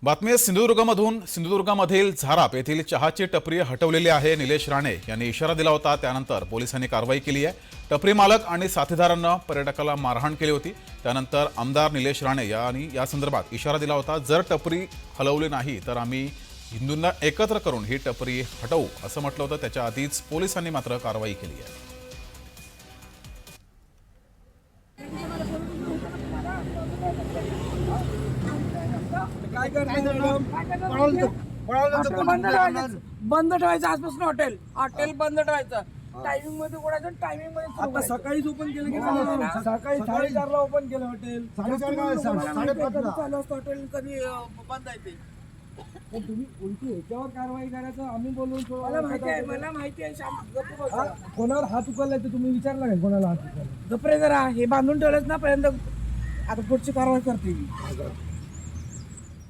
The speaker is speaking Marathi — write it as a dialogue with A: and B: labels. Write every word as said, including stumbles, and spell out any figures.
A: बातमी आहे सिंधुदुर्गमधून। सिंधुदुर्गमधील झाराप येथील चहाची टपरी हटवलेली आहे। निलेश राणे यांनी इशारा दिला होता, त्यानंतर पोलिसांनी कारवाई केली आहे। टपरी मालक आणि साथीदारांना पर्यटकाला मारहाण केली होती। त्यानंतर आमदार निलेश राणे यांनी या संदर्भात इशारा दिला होता, जर टपरी हलवली नाही तर आम्ही हिंदूंना एकत्र करून ही टपरी हटवू असं म्हटलं होतं। त्याच्या आधीच पोलिसांनी मात्र कारवाई केली आहे।
B: काय बंद ठेवायचं आजपासून हॉटेल हॉटेल बंद ठेवायचं। टायमिंग मध्ये उघडायचं, टायमिंग मध्ये आता सकाळीच ओपन केलं की सकाळी साडेचारला ओपन केलं हॉटेल, साडेपाचला चालू असतं हॉटेल, कधी बंद आहे ते। तुम्ही उलटी ह्याच्यावर कारवाई करायचं, आम्ही बोलून मला माहिती आहे मला माहिती आहे कोणावर हात उचललाय ते तुम्ही विचारला का? कोणाला हात उचलला? गप्रे जरा हे बांधून ठेवलंच ना पर्यंत, आता पुढची कारवाई करते मी।